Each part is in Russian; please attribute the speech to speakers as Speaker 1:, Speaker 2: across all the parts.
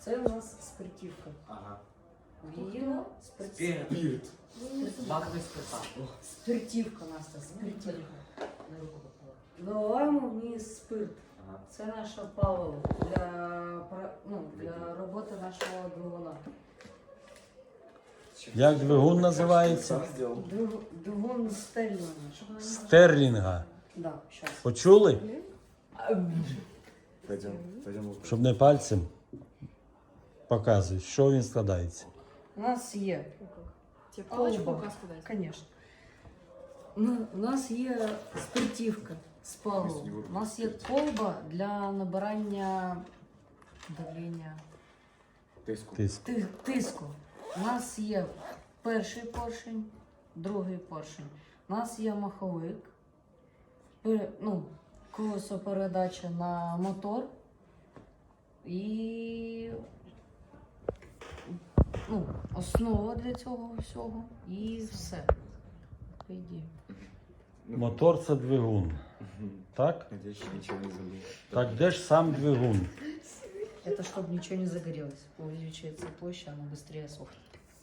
Speaker 1: Це у нас спиртівка.
Speaker 2: Ага.
Speaker 1: Віно,
Speaker 2: Спирт. Баковий спирта.
Speaker 1: спиртівка у нас, це спиртівка. Наливаємо в ній спирт.
Speaker 2: Ага.
Speaker 1: Це наше паливо для роботи нашого двигуна.
Speaker 3: Як двигун називається?
Speaker 1: Двигун стерлінга.
Speaker 3: Стерлінга.
Speaker 1: Да, щас.
Speaker 3: Почули?
Speaker 2: Пойдем.
Speaker 3: Щоб не пальцем показують, що він складається.
Speaker 1: У нас є
Speaker 4: Палочку
Speaker 1: колба,
Speaker 4: указ подать.
Speaker 1: конечно. У нас є спиртівка з паливом. У нас є колба для набирання давлення
Speaker 3: Тиск.
Speaker 1: тиску. У нас є перший поршень, другий поршень. У нас є маховик, колесо передача на мотор і основа для цього всього і все. По ідеї.
Speaker 3: Мотор це двигун. Так?
Speaker 2: Надеюсь, ничего не забыл.
Speaker 3: Так де ж сам двигун?
Speaker 1: Это чтобы ничего не загорелось. Увеличивается площадь, она быстрее сохнет.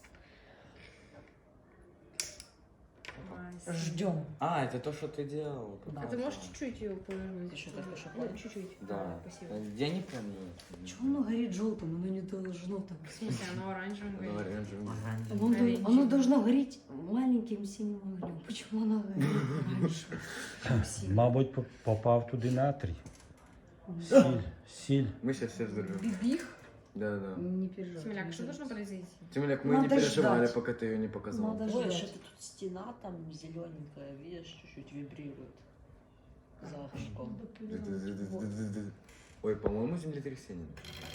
Speaker 1: Ждем.
Speaker 2: А, это то, что ты делал.
Speaker 1: Да.
Speaker 4: А ты можешь чуть-чуть ее повернуть?
Speaker 1: Ты что, только что
Speaker 4: Ну,
Speaker 1: палишь?
Speaker 4: чуть-чуть.
Speaker 2: Да.
Speaker 4: Спасибо.
Speaker 2: Я не помню.
Speaker 1: Чего оно горит желтым? Оно не должно так.
Speaker 4: В смысле, оно оранжевым
Speaker 2: Ну,
Speaker 4: горит?
Speaker 2: оранжевый.
Speaker 1: Оно должно гореть маленьким синим огнем. Почему оно горит раньше? чем синим?
Speaker 3: Мабуть, попав туди натрій. Сіль.
Speaker 2: Мы сейчас все взорвем.
Speaker 1: Бибих?
Speaker 2: Да, да.
Speaker 1: Не переживай.
Speaker 4: Смеляк, что должно произойти?
Speaker 2: Тимоляк, мы
Speaker 1: Надо
Speaker 2: не переживали,
Speaker 1: ждать.
Speaker 2: пока ты ее не показал.
Speaker 1: Надо
Speaker 5: Ой,
Speaker 1: ждать.
Speaker 5: что-то тут стена там зелененькая, видишь, чуть-чуть вибрирует за окошком.
Speaker 2: Ой, по-моему, землетрясение.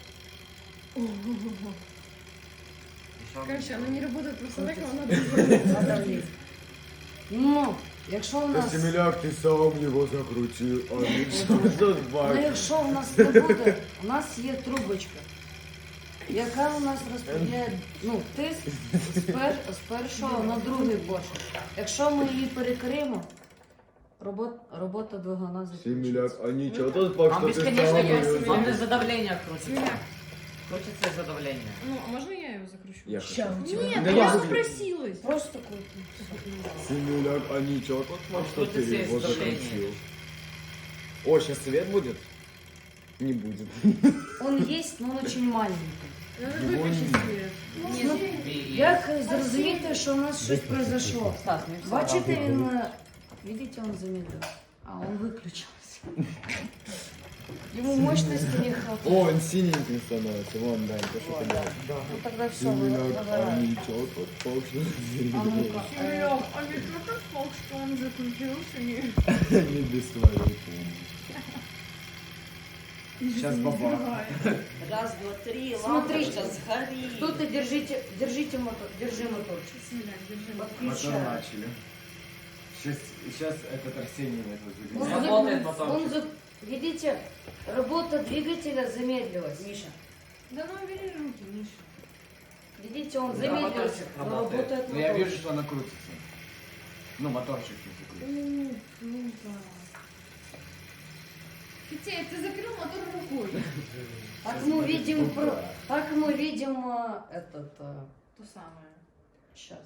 Speaker 4: Короче, оно не работает просто так, оно
Speaker 1: Надо влезть. Ну, якщо у нас...
Speaker 2: Тимоляк, ты сам его закрутил, а ничего тут
Speaker 1: Ну, якщо у нас не буде, у нас є трубочка, яка у нас розподіляє тиск з першого на другий поршень. Якщо ми її перекриємо, робота двигуна закінчиться.
Speaker 2: Тимоляк, а ничего тут факт,
Speaker 6: Вам
Speaker 2: что ты
Speaker 6: бесконечно
Speaker 2: сам
Speaker 6: есть.
Speaker 2: её
Speaker 6: Вам из-за давления крутится.
Speaker 4: Смеляк.
Speaker 6: Крутится из-за давления.
Speaker 4: Ну, а можно я его закручу?
Speaker 2: Я
Speaker 1: Ща,
Speaker 2: хочу.
Speaker 1: у тебя.
Speaker 4: Нет,
Speaker 2: Да
Speaker 4: я
Speaker 2: я
Speaker 4: запросилась.
Speaker 1: Просто такой.
Speaker 2: Тимоляк, а ничего тут факт, что ты
Speaker 6: Крутится
Speaker 2: его
Speaker 6: из давления.
Speaker 2: закрутил. О, сейчас свет будет? Не будет.
Speaker 1: Он есть, но он очень маленький.
Speaker 4: Надо
Speaker 2: Его
Speaker 4: выключить
Speaker 2: нет.
Speaker 4: свет.
Speaker 1: Ну,
Speaker 6: И-
Speaker 1: як зрозуміти, що у нас щось произошло?
Speaker 6: Стас, мне всё
Speaker 1: Бачите,
Speaker 6: равно.
Speaker 1: він, видите, он замедлил. А, он выключился. Ему мощности не хватает.
Speaker 2: О, он синеньким становится. Вон, Дань, то, что ты делаешь.
Speaker 1: Ну тогда все,
Speaker 2: Тимоляк, а
Speaker 1: выгорает.
Speaker 2: ничего тут факт, что
Speaker 1: А ну-ка,
Speaker 4: Смеляк, а ведь как факт, что он закрутился?
Speaker 2: не без твоей помощи. Сейчас баба.
Speaker 5: Раз, два, три,
Speaker 1: Смотри,
Speaker 5: лампочка сгорит.
Speaker 1: Кто-то держите мотор, держи моторчик.
Speaker 4: Смеляк, держи.
Speaker 2: Мотор
Speaker 1: Подключай.
Speaker 2: начали. Сейчас этот Арсений это
Speaker 1: Он
Speaker 6: Работает
Speaker 1: за-
Speaker 6: моторчик.
Speaker 1: он за- Видите, работа двигателя замедлилась. Миша,
Speaker 4: Да ну убери руки, Миша.
Speaker 1: видите, он
Speaker 6: Да,
Speaker 1: замедлился,
Speaker 6: моторчик
Speaker 1: но
Speaker 6: работает.
Speaker 1: работает
Speaker 2: Ну я вижу,
Speaker 1: моторчик.
Speaker 2: что она крутится. Ну, моторчик не закрутится.
Speaker 4: Ну да. Хотя ты закрыл мотор рукой.
Speaker 1: Так мы видим,
Speaker 4: То самое.
Speaker 1: сейчас.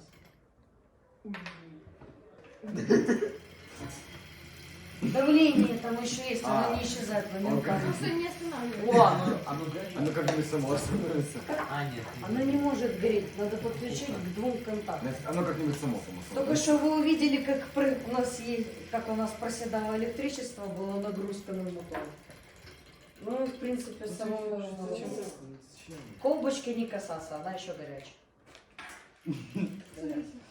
Speaker 1: Давление там еще есть, оно не исчезает, но не
Speaker 2: Он
Speaker 1: указано.
Speaker 4: Просто не останавливай.
Speaker 6: О, оно горит.
Speaker 2: Оно как бы само остановится.
Speaker 6: А, нет.
Speaker 1: Оно не может гореть, надо подключить к двум контактам.
Speaker 2: Оно как-нибудь само
Speaker 1: Только что вы увидели, как у нас проседало электричество, была нагрузка на мотор. Ну, в принципе, самому колбочки не касаться, она еще горячая.